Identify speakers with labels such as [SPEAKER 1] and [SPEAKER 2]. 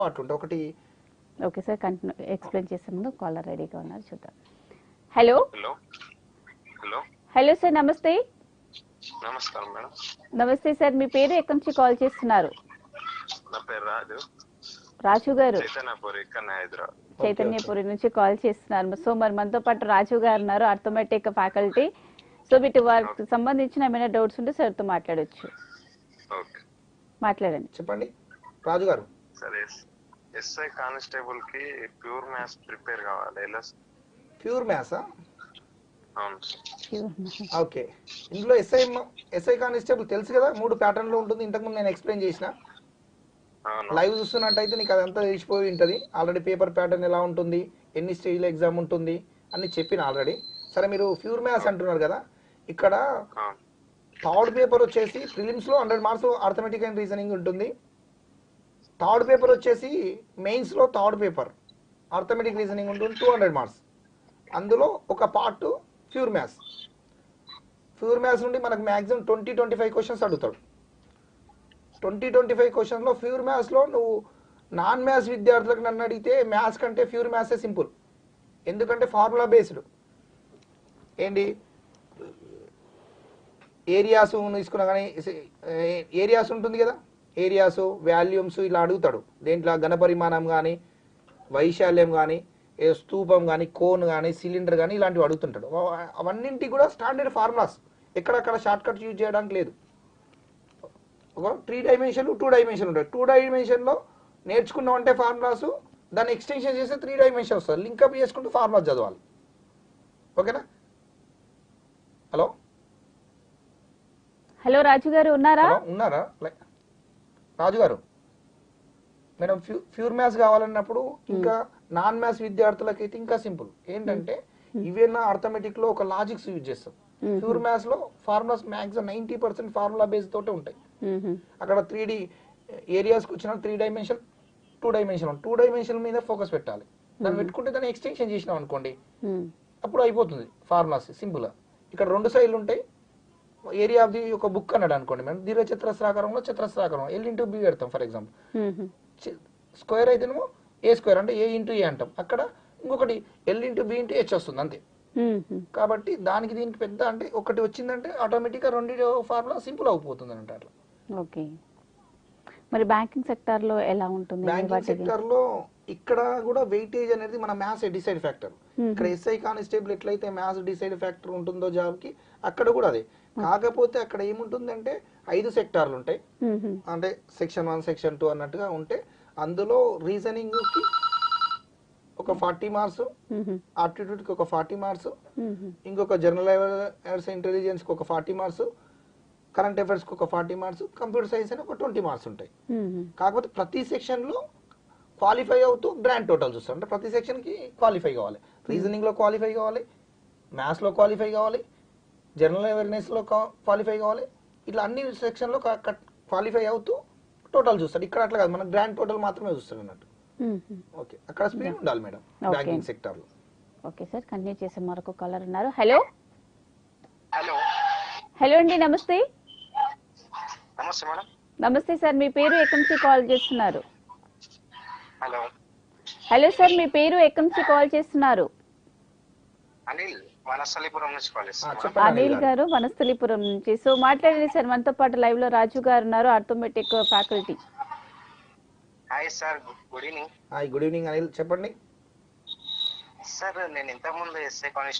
[SPEAKER 1] అట్లుంటే ఒకటి.
[SPEAKER 2] Okay sir, continue explain చేసే ముందు కాలర్ రెడీగా ఉన్నారు, చూద్దాం. Hello
[SPEAKER 3] hello hello
[SPEAKER 2] hello sir, నమస్తే.
[SPEAKER 3] నమస్కారం మేడం.
[SPEAKER 2] నమస్తే సార్, మీ పేరు ఎక్కడి నుంచి కాల్ చేస్తున్నారు?
[SPEAKER 3] నా పేరు రాజు.
[SPEAKER 2] రాజు గారు
[SPEAKER 3] చైతన్యపూర్, ఇక్కడ హైదరాబాద్.
[SPEAKER 2] చైతన్యపురి నుంచి కాల్ చేస్తున్నారు. సో మరి మనతో పాటు రాజు గారు ఉన్నారు, అర్థమెటిక్ ఫ్యాకల్టీ. సో వీటి వారికి సంబంధించిన ఏమైనా డౌట్స్ ఉంటే సార్తో మాట్లాడొచ్చు.
[SPEAKER 3] ఓకే,
[SPEAKER 2] మాట్లాడండి.
[SPEAKER 1] చెప్పండి రాజు గారు.
[SPEAKER 3] సరే. ఎస్ఐ కానిస్టేబుల్ కి ప్యూర్ మ్యాథ్స్ ప్రిపేర్ కావాలి, ఎలా?
[SPEAKER 1] ప్యూర్ మ్యాథ్సా?
[SPEAKER 3] అవును సార్.
[SPEAKER 1] ఓకే. ఇందులో ఎస్ఐ కానిస్టేబుల్ తెలుసు కదా, 3 ప్యాటర్న్లో ఉంటుంది. ఇంతకుముందు నేను ఎక్స్ప్లెయిన్ చేసిన. లైవ్ చూస్తున్నట్టయితే నీకు అదంతా తెలిసిపోయి ఉంటుంది. ఆల్రెడీ పేపర్ ప్యాటర్న్ ఎలా ఉంటుంది, ఎన్ని స్టేజ్లో ఎగ్జామ్ ఉంటుంది అని చెప్పిన ఆల్రెడీ. సరే, మీరు ప్యూర్ మ్యాథ్స్ అంటున్నారు కదా, ఇక్కడ థర్డ్ పేపర్ వచ్చేసి ప్రిలిమ్స్లో 100 మార్క్స్ అర్థమెటిక్ అండ్ రీజనింగ్ ఉంటుంది. థర్డ్ పేపర్ వచ్చేసి మెయిన్స్లో థర్డ్ పేపర్ అర్థమెటిక్ రీజనింగ్ ఉంటుంది, 200 మార్క్స్. అందులో ఒక part pure maths. Pure maths నుండి మనకు మ్యాక్సిమం 20-25 క్వశ్చన్స్ అడుగుతాడు. 20-25 క్వశ్చన్లో ప్యూర్ మ్యాథ్స్లో నువ్వు నాన్ మ్యాథ్స్ విద్యార్థులకు నన్ను అడిగితే మ్యాథ్స్ కంటే ప్యూర్ మ్యాథ్సే సింపుల్. ఎందుకంటే ఫార్ములా బేస్డ్. ఏంటి ఏరియాస్ తీసుకున్నా కానీ ఏరియాస్ ఉంటుంది కదా, ఏరియాస్ వాల్యూమ్స్ ఇలా అడుగుతాడు. దేంట్లో ఘనపరిమాణం కానీ, వైశాల్యం కానీ, స్తూపం కానీ, కోన్ కానీ, సిలిండర్ కానీ ఇలాంటివి అడుగుతుంటాడు. అవన్నింటికి కూడా స్టాండర్డ్ ఫార్ములాస్, ఎక్కడక్కడ షార్ట్ కట్ యూజ్ చేయడానికి లేదు. ఒక 3 డైమెన్షన్ 2 డైమెన్షన్ ఉంటాయి. 2 డైమెన్షన్లో నేర్చుకున్నామంటే ఫార్ములాస్, దాన్ని ఎక్స్టెన్షన్ చేస్తే 3 డైమెన్షన్ వస్తుంది. లింకప్ చేసుకుంటూ ఫార్ములాస్ చదవాలి. ఓకేనా? హలో
[SPEAKER 2] హలో రాజు గారు ఉన్నారా?
[SPEAKER 1] ఉన్నారా రాజు గారు? మేడం, ప్యూర్ మ్యాథ్స్ కావాలన్నప్పుడు ఇంకా నాన్ మ్యాథ్స్ విద్యార్థులకైతే ఇంకా సింపుల్. ఏంటంటే ఇవేనా అర్థమెటిక్ లో ఒక లాజిక్స్ యూజ్ చేస్తాం. ప్యూర్ మ్యాథ్స్ లో ఫార్ములాస్ మ్యాక్సిమం 90% ఫార్ములా బేస్ తోటే ఉంటాయి. అక్కడ 3D ఏరియాస్కి వచ్చిన 3 డైమెన్షన్ 2 డైమెన్షన్ 2 డైమెన్షన్ మీద ఫోకస్ పెట్టాలి. దాన్ని పెట్టుకుంటే దాన్ని ఎక్స్టెన్షన్ చేసినాం అనుకోండి, అప్పుడు అయిపోతుంది ఫార్ములాస్ సింపుల్ గా. ఇక్కడ 2 సైడ్లు ఉంటాయి. ఏరియా ఆఫ్ ది ఒక బుక్ అన్నాడు అనుకోండి, మనం దీర్ఘ చతురస్రాకారంలో చతురస్రాకారం L/B పెడతాం ఫర్ ఎగ్జాంపుల్. స్క్వేర్ అయితేనేమో A స్క్వేర్ అంటే A/A అంటాం. అక్కడ ఇంకొకటి L/B/H వస్తుంది అంతే. కాబట్టి దానికి దీనికి పెద్ద అంటే ఒకటి వచ్చిందంటే ఆటోమేటిక్ గా 2 ఫార్ములా సింపుల్ అయిపోతుంది అంటే అట్లా.
[SPEAKER 2] ఓకే. మరి బ్యాంకింగ్ సెక్టార్ లో ఎలా ఉంటుంది?
[SPEAKER 1] బ్యాంకింగ్ సెక్టార్ లో ఇక్కడ కూడా వెయిటేజ్ అనేది మన మ్యాథ్స్ డిసైడ్ ఫ్యాక్టర్. ఇక్కడ ఎస్ఐ కానిస్టేబుల్ ఎట్లయితే మ్యాథ్స్ డిసైడ్ ఫ్యాక్టర్ ఉంటుందో జాబ్ కి, అక్కడ కూడా అదే. కాకపోతే అక్కడ ఏముంటుందంటే 5 సెక్టార్లు ఉంటాయి. అంటే సెక్షన్ 1 సెక్షన్ 2 అన్నట్టుగా ఉంటే, అందులో రీజనింగ్ కి ఒక 40 మార్క్స్, ఆప్టిట్యూడ్ కి ఒక 40 మార్క్స్, ఇంకొక జనరల్ అవేర్నెస్ ఇంటెలిజెన్స్ కి ఒక 40 మార్క్స్, కరెంట్ అఫైర్స్ కి ఒక 40 మార్క్స్, కంప్యూటర్ సైన్స్ అని ఒక 20 మార్క్స్ ఉంటాయి. కాకపోతే ప్రతి సెక్షన్ లో క్వాలిఫై అవుతూ గ్రాండ్ టోటల్ చూస్తారు. అంటే ప్రతి సెక్షన్ కి క్వాలిఫై కావాలి. రీజనింగ్ లో క్వాలిఫై కావాలి, మ్యాథ్స్ లో క్వాలిఫై కావాలి, జనరల్ అవేర్నెస్ లో క్వాలిఫై కావాలి. ఇట్లా అన్ని సెక్షన్ లో క్వాలిఫై అవుతూ టోటల్ చూస్తాడు. ఇక్కడ అట్లా కాదు, మనం గ్రాండ్ టోటల్ మాత్రమే చూస్తాడు అన్నట్టు. ఓకే, అక్కడ స్పీడ్ ఉండాలి మేడం బ్యాంకింగ్ సెక్టర్ లో.
[SPEAKER 2] ఓకే సార్, కంటిన్యూ చేసే మరొక కాలర్ ఉన్నారు. హలో
[SPEAKER 3] హలో
[SPEAKER 2] హలో అండి, నమస్తే.
[SPEAKER 3] నమస్తే మేడం.
[SPEAKER 2] నమస్తే సార్, మీ పేరు ఎక్కడి నుంచి కాల్ చేస్తున్నారు?
[SPEAKER 3] హలో
[SPEAKER 2] హలో సార్, మీ పేరు ఎక్కడి నుంచి కాల్ చేస్తున్నారు?
[SPEAKER 3] అనిల్, వనస్థలిపురం నుంచి కాల్ చేస్తున్నాను.
[SPEAKER 1] చెప్పండి
[SPEAKER 2] అనిల్ గారు, వనస్థలిపురం నుంచి. సో మాట్లాడండి సార్, మనతో పాటు లైవ్ లో రాజు గారు ఉన్నారు, arithmetic faculty.
[SPEAKER 3] Hi sir, good evening.
[SPEAKER 1] Hi, good evening Anil, చెప్పండి.
[SPEAKER 3] సార్, నేను ఇంతకుముందు ఎస్ఐ కానిస్టేబుల్